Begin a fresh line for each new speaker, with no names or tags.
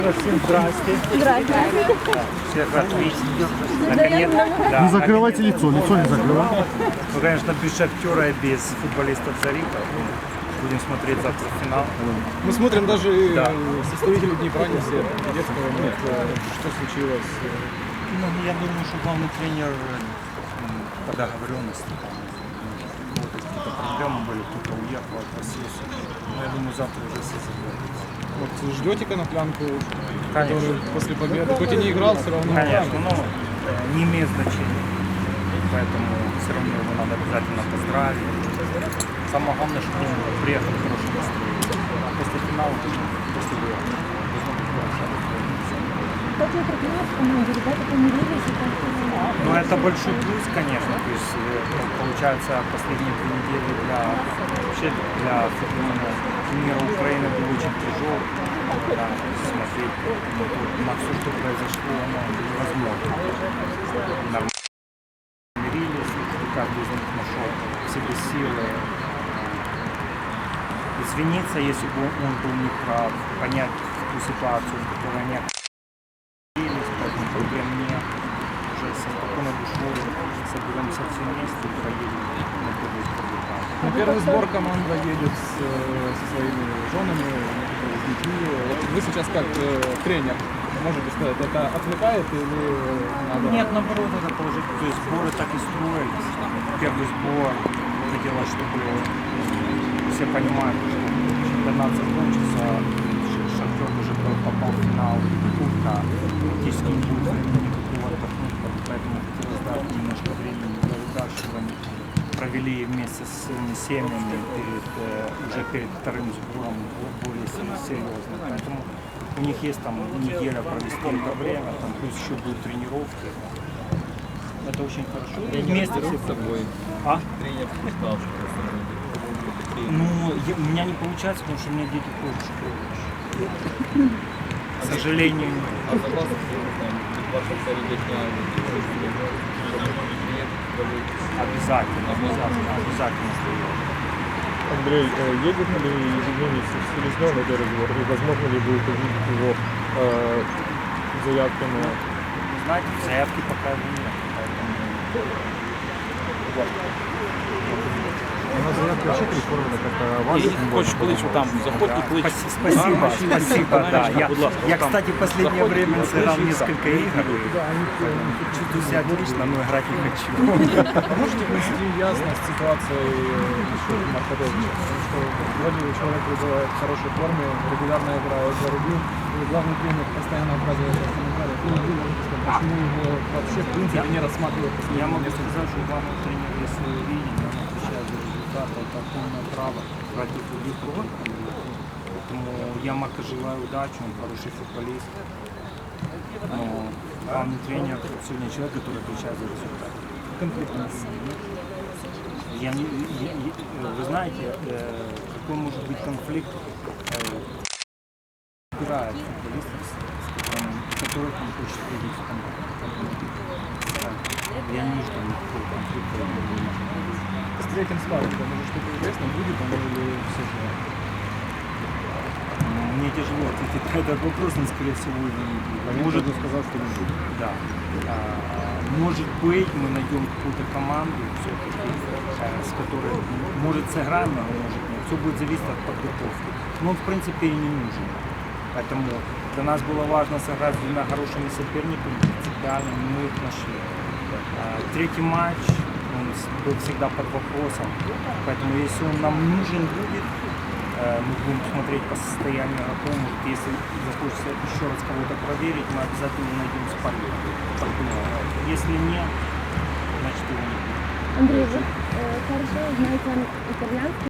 Всем здрасте.
Здравствуйте.
Всех отлично. Наконец-то. Да,
Не закрывайте лицо не закрывайте.
Ну, конечно, без Шахтера и без футболистов Зари, поэтому будем смотреть завтра финал.
Мы смотрим даже
Да.
составители Днепра не все. Детского нет. Что случилось?
Ну, я думаю, что главный тренер по договоренности. Вот какие-то проблемы были, кто-то уехал, отпросился. Но я думаю, завтра уже все забудется.
Вот ждете коноплянку,
Конечно.
который после победы, хоть и не играл, все равно.
Конечно, но не имеет значения. Поэтому все равно его надо обязательно поздравить. Самое главное, что он приехал в хорошем настроении. После финала, после выигрыша.
Кстати, я проклялась в команде, ребята помирились и как-то...
Ну, это большой плюс, конечно. То есть, получается, последние 2 недели вообще для футбольного мира Украины был очень тяжелый. Да, смотреть на все, что произошло, невозможно. Нормально мирились, и каждый из них нашел в себе силы извиниться, если бы он был неправ, понять ту ситуацию, в которой они оказались, поэтому проблем нет. Уже с спокойной душой соберемся все вместе и проедем на первый результат.
На первый сбор команда едет со своими женами, с детьми. Вы сейчас как тренер можете сказать, это отвлекает или надо?
Нет, наоборот, это положительно. То есть сборы так и строились. Первый сбор хотелось, чтобы все понимали, что чемпионат закончится, Шахтер уже попал в финал Кубка, практически не будет времени никакого отдохнуть, поэтому хотелось дать немножко времени для ребят, чтобы они провели вместе с своими семьями уже перед вторым сбором более серьезно. Поэтому у них есть там неделя провести это время, там плюс еще будут тренировки. Это очень хорошо. Вместе все с собой. А?
Тренер сказал, что
Ну, у меня не получается, потому что у меня дети ходят в школу. К сожалению, нет.
А согласен, что ваша середня
Обязательно, обязательно стоит.
Андрей, едет ли Евгений Селезнев на первый сбор? И возможно ли будет увидеть его заявки на...
Знаете, заявки пока нет, поэтому...
Она заявка вообще переформлена как вас.
Хочеш кличу там, заходь и клич.
Спасибо, спасибо, да. Я, кстати, в последнее время сыграл несколько игр. Чувствую себя отлично, но играть не хочу.
Можете внести ясность ситуации еще Маркадовича? Потому что вроде бы человек пребывает в хорошей форме, регулярно играет за Рубин, и главный тренер постоянно отказывается от комментариев. Почему его вообще в принципе не рассматривают?
Я могу сказать, что главный тренер, если видит, он отвечает за результат, это полное право против других команд. Поэтому я Марка желаю удачи, он хороший футболист. Но главный тренер сегодня человек, который отвечает за результат. Вы знаете, какой может быть конфликт, выбирает футболистов, которых он хочет видеть в команде. Я не жду никакого конфликта.
С третьим складом, может что-то известно, будет он или все же?
Мне тяжело ответить на этот вопрос, но скорее всего его не будет.
Может сказал, что не будет.
Да. Может быть, мы найдем какую-то команду, все-таки, с которой может сыграем, а может нет. Все будет зависеть от подготовки. Но он в принципе и не нужен. Поэтому для нас было важно сыграть с 2 хорошими соперниками, принципиальными, мы их нашли. Третий матч он был всегда под вопросом, поэтому если он нам нужен будет, мы будем смотреть по состоянию готовым. Если захочется еще раз кого-то проверить, мы обязательно найдем партнера. Если нет, значит его не будет.
Андрей, вы хорошо знаете итальянский